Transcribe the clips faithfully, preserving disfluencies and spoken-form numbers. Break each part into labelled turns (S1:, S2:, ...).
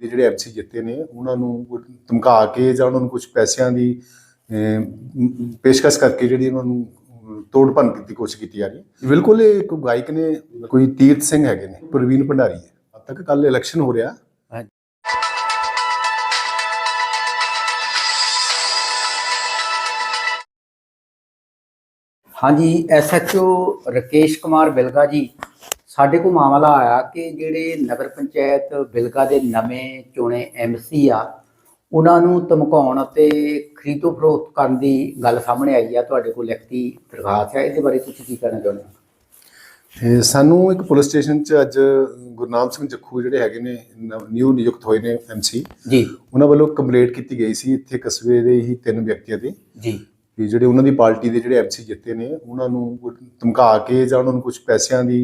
S1: ਦੇ ਜਿਹੜੇ ਐਮਸੀ ਜਿੱਤੇ ਨੇ ਉਹਨਾਂ ਨੂੰ ਧਮਕਾ ਕੇ ਜਾਂ ਉਹਨਾਂ ਨੂੰ ਕੁਝ ਪੈਸਿਆਂ ਦੀ ਪੇਸ਼ਕਸ਼ ਕਰਕੇ ਜਿਹੜੀ ਉਹਨਾਂ ਨੂੰ ਤੋੜ ਭੰਨ ਦੀ ਕੋਸ਼ਿਸ਼ ਕੀਤੀ ਜਾ ਰਹੀ ਹੈ। ਬਿਲਕੁਲ ਇਹ ਇੱਕ ਗਾਇਕ ਨੇ, ਕੋਈ ਤੀਰਥ ਸਿੰਘ ਹੈਗੇ ਨੇ, ਪ੍ਰਵੀਨ ਭੰਡਾਰੀ ਹੈ। ਅੱਜ ਤੱਕ ਕੱਲ ਇਲੈਕਸ਼ਨ ਹੋ ਰਿਹਾ।
S2: हाँ जी, S H O Rakesh Kumar Bilga ji, साढ़े को मामला आया कि जिहड़े नगर पंचायत बिलगा के नवे चुने एम सी आ उन्होंने धमकाउण ते खरीदो फरोख्त करने की गल सामने आई है। तुहाडे कोल लिखती दरखास्त है, इहदे बारे तुसीं की कहना चाहुंदे हो?
S1: सानू एक पुलिस स्टेशन च अज गुरनाम सिंह जखू जिहड़े हैगे ने न्यू नियुक्त होए ने एम सी
S2: जी,
S1: उन्हां वल्लों कंप्लेंट की गई सी इत्थे कस्बे दे ही तीन व्यक्तियों ते
S2: जी
S1: ਵੀ ਜਿਹੜੇ ਉਹਨਾਂ ਦੀ ਪਾਰਟੀ ਦੇ ਜਿਹੜੇ ਐਮਸੀ ਜਿੱਤੇ ਨੇ ਉਹਨਾਂ ਨੂੰ ਧਮਕਾ ਕੇ ਜਾਂ ਉਹਨਾਂ ਨੂੰ ਕੁਝ ਪੈਸਿਆਂ ਦੀ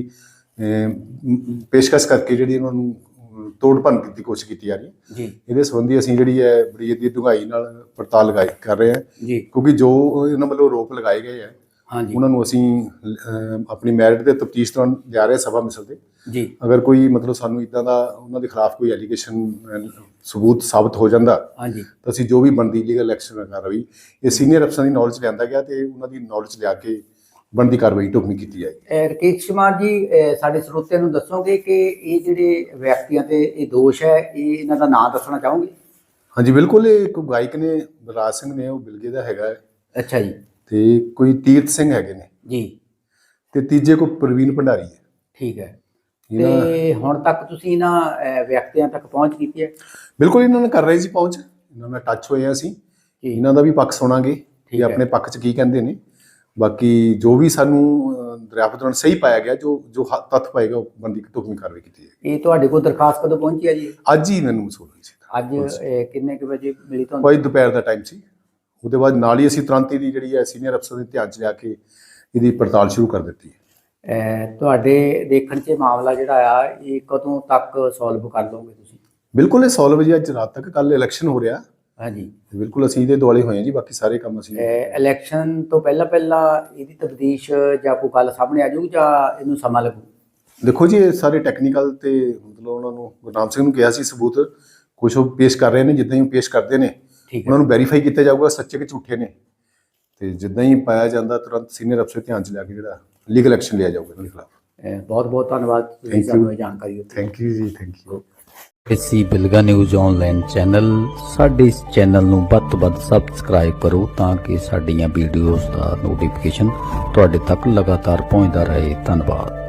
S1: ਪੇਸ਼ਕਸ਼ ਕਰਕੇ ਜਿਹੜੀ ਉਹਨਾਂ ਨੂੰ ਤੋੜ ਭੰਨ ਦੀ ਕੋਸ਼ਿਸ਼ ਕੀਤੀ ਜਾ ਰਹੀ ਹੈ
S2: ਜੀ।
S1: ਇਹਦੇ ਸੰਬੰਧੀ ਅਸੀਂ ਜਿਹੜੀ ਹੈ ਬੜੀ ਇਹਦੀ ਡੂੰਘਾਈ ਨਾਲ ਪੜਤਾਲ ਲਗਾਈ ਕਰ ਰਹੇ ਹਾਂ
S2: ਜੀ,
S1: ਕਿਉਂਕਿ ਜੋ ਇਹਨਾਂ ਵੱਲੋਂ ਆਰੋਪ ਲਗਾਏ ਗਏ ਹੈ
S2: ਹਾਂਜੀ
S1: ਉਹਨਾਂ ਨੂੰ ਅਸੀਂ ਆਪਣੀ ਮੈਰਿਟ ਦੇ ਤਫਤੀਸ਼ ਦੌਰਾਨ ਜਾ ਰਹੇ ਸਭਾ ਮਿਸਲ ਤੇ
S2: ਜੀ।
S1: ਅਗਰ ਕੋਈ ਮਤਲਬ ਸਾਨੂੰ ਇੱਦਾਂ ਦਾ ਉਹਨਾਂ ਦੇ ਖਿਲਾਫ ਕੋਈ ਐਲੀਗੇਸ਼ਨ ਸਬੂਤ ਸਾਬਤ ਹੋ ਜਾਂਦਾ
S2: ਹਾਂਜੀ
S1: ਤਾਂ ਅਸੀਂ ਜੋ ਵੀ ਬਣਦੀ ਲੀਗਲ ਐਕਸ਼ਨ ਕਾਰਵਾਈ ਇਹ ਸੀਨੀਅਰ ਅਫਸਰਾਂ ਦੀ ਨੌਲੇਜ ਲਿਆਂਦਾ ਗਿਆ ਤੇ ਉਹਨਾਂ ਦੀ ਨੌਲੇਜ ਲਿਆ ਕੇ ਬਣਦੀ ਕਾਰਵਾਈ ਢੁਕਵੀਂ ਕੀਤੀ ਜਾਏਗੀ।
S2: ਰਾਕੇਸ਼ ਕੁਮਾਰ ਜੀ, ਸਾਡੇ ਸਰੋਤਿਆਂ ਨੂੰ ਦੱਸੋਗੇ ਕਿ ਇਹ ਜਿਹੜੇ ਵਿਅਕਤੀਆਂ ਤੇ ਇਹ ਦੋਸ਼ ਹੈ, ਇਹ ਇਹਨਾਂ ਦਾ ਨਾਂ ਦੱਸਣਾ ਚਾਹੋਗੇ?
S1: ਹਾਂਜੀ ਬਿਲਕੁਲ, ਇਹ ਇੱਕ ਗਾਇਕ ਨੇ ਬਲਰਾਜ ਸਿੰਘ ਨੇ, ਉਹ ਬਿਲਗੇ ਦਾ ਹੈਗਾ।
S2: ਅੱਛਾ ਜੀ।
S1: ਤੇ ਕੋਈ ਤੀਰਥ ਸਿੰਘ ਹੈਗੇ ਨੇ
S2: ਜੀ,
S1: ਤੇ ਤੀਜੇ ਕੋਈ ਪ੍ਰਵੀਨ ਭੰਡਾਰੀ ਹੈ।
S2: ਠੀਕ ਹੈ। ਤੇ ਹੁਣ ਤੱਕ ਤੁਸੀਂ ਇਹਨਾਂ ਵਿਅਕਤੀਆਂ ਤੱਕ ਪਹੁੰਚ ਕੀਤੀ ਹੈ?
S1: ਬਿਲਕੁਲ, ਇਹਨਾਂ ਨਾਲ ਕਰ ਰਹੇ ਸੀ ਪਹੁੰਚ, ਇਹਨਾਂ ਨਾਲ ਟੱਚ ਹੋਏ ਅਸੀਂ, ਇਹਨਾਂ ਦਾ ਵੀ ਪੱਖ ਸੁਣਾਂਗੇ ਕਿ ਆਪਣੇ ਪੱਖ 'ਚ ਕੀ ਕਹਿੰਦੇ ਨੇ। ਬਾਕੀ ਜੋ ਵੀ ਸਾਨੂੰ ਦਰਿਆਫਤ ਦੌਰਾਨ ਸਹੀ ਪਾਇਆ ਗਿਆ, ਜੋ ਜੋ ਤੱਥ ਪਾਏਗਾ ਉਹ ਬੰਦੀ ਢੁਕਵੀਂ ਕਾਰਵਾਈ ਕੀਤੀ ਜਾਏਗੀ।
S2: ਇਹ ਤੁਹਾਡੇ ਕੋਲ ਦਰਖਾਸਤ ਕਦੋਂ ਪਹੁੰਚੀ ਹੈ ਜੀ?
S1: ਅੱਜ ਹੀ ਮੈਨੂੰ ਮਸੂਲ ਹੋਈ ਸੀ।
S2: ਅੱਜ ਕਿੰਨੇ ਕੁ ਵਜੇ ਮਿਲੀ ਤੁਹਾਨੂੰ?
S1: ਕੋਈ ਦੁਪਹਿਰ ਦਾ ਟਾਈਮ ਸੀ। ਉਹਦੇ ਬਾਅਦ ਨਾਲ ਹੀ ਅਸੀਂ ਤੁਰੰਤ ਇਹਦੀ ਜਿਹੜੀ ਹੈ ਸੀਨੀਅਰ ਅਫਸਰ ਦੇ ਧਿਆਨ 'ਚ ਲਿਆ ਕੇ ਇਹਦੀ ਪੜਤਾਲ ਸ਼ੁਰੂ ਕਰ ਦਿੱਤੀ।
S2: ਤੁਹਾਡੇ ਦੇਖਣ 'ਚ ਮਾਮਲਾ ਜਿਹੜਾ ਆ ਇਹ ਕਦੋਂ ਤੱਕ ਸੋਲਵ ਕਰ ਲਓਗੇ ਤੁਸੀਂ?
S1: ਬਿਲਕੁਲ, ਇਹ ਸੋਲਵ ਜੀ ਅੱਜ ਰਾਤ ਤੱਕ। ਕੱਲ ਇਲੈਕਸ਼ਨ ਹੋ ਰਿਹਾ।
S2: ਹਾਂਜੀ
S1: ਬਿਲਕੁਲ, ਅਸੀਂ ਇਹਦੇ ਦੁਆਲੇ ਹੋਏ ਹਾਂ ਜੀ। ਬਾਕੀ ਸਾਰੇ ਕੰਮ ਅਸੀਂ
S2: ਇਲੈਕਸ਼ਨ ਤੋਂ ਪਹਿਲਾਂ ਪਹਿਲਾਂ ਇਹਦੀ ਤਬਦੀਸ਼ ਜਾਂ ਕੋਈ ਗੱਲ ਸਾਹਮਣੇ ਆ ਜਾਊਗੀ ਜਾਂ ਇਹਨੂੰ ਸਮਾਂ ਲੱਗੂ?
S1: ਦੇਖੋ ਜੀ, ਇਹ ਸਾਰੇ ਟੈਕਨੀਕਲ ਤੇ ਮਤਲਬ ਉਹਨਾਂ ਨੂੰ ਗੁਰਨਾਮ ਸਿੰਘ ਨੂੰ ਕਿਹਾ ਸੀ ਸਬੂਤ ਕੁਛ ਉਹ ਪੇਸ਼ ਕਰ ਰਹੇ ਨੇ। ਜਿੱਦਾਂ ਹੀ ਉਹ ਪੇਸ਼ ਕਰਦੇ ਨੇ ਉਹਨਾਂ ਨੂੰ ਵੈਰੀਫਾਈ ਕੀਤਾ ਜਾਊਗਾ ਸੱਚੇ ਕਿ ਝੂਠੇ ਨੇ, ਤੇ ਜਿੱਦਾਂ ਹੀ ਪਾਇਆ ਜਾਂਦਾ ਤੁਰੰਤ ਸੀਨੀਅਰ ਅਫਸਰ ਧਿਆਨ 'ਚ ਲਿਆ ਕੇ ਜਿਹੜਾ ਲੀਗਲ ਐਕਸ਼ਨ ਲਿਆ ਜਾਊਗਾ ਇਹਨਾਂ ਦੇ ਖਿਲਾਫ।
S2: ਬਹੁਤ ਬਹੁਤ ਧੰਨਵਾਦ ਤੁਸੀਂ ਸਾਨੂੰ ਇਹ ਜਾਣਕਾਰੀ ਦਿੱਤੀ।
S1: ਥੈਂਕ ਯੂ ਜੀ, ਥੈਂਕ ਯੂ।
S3: ਅਸੀਂ ਬਿਲਗਾ ਨਿਊਜ਼ ਆਨਲਾਈਨ ਚੈਨਲ, ਸਾਡੇ ਇਸ ਚੈਨਲ ਨੂੰ ਵੱਧ ਤੋਂ ਵੱਧ ਸਬਸਕ੍ਰਾਈਬ ਕਰੋ ਤਾਂ ਕਿ ਸਾਡੀਆਂ ਵੀਡੀਓਜ਼ ਦਾ ਨੋਟੀਫਿਕੇਸ਼ਨ ਤੁਹਾਡੇ ਤੱਕ ਲਗਾਤਾਰ ਪਹੁੰਚਦਾ ਰਹੇ। ਧੰਨਵਾਦ।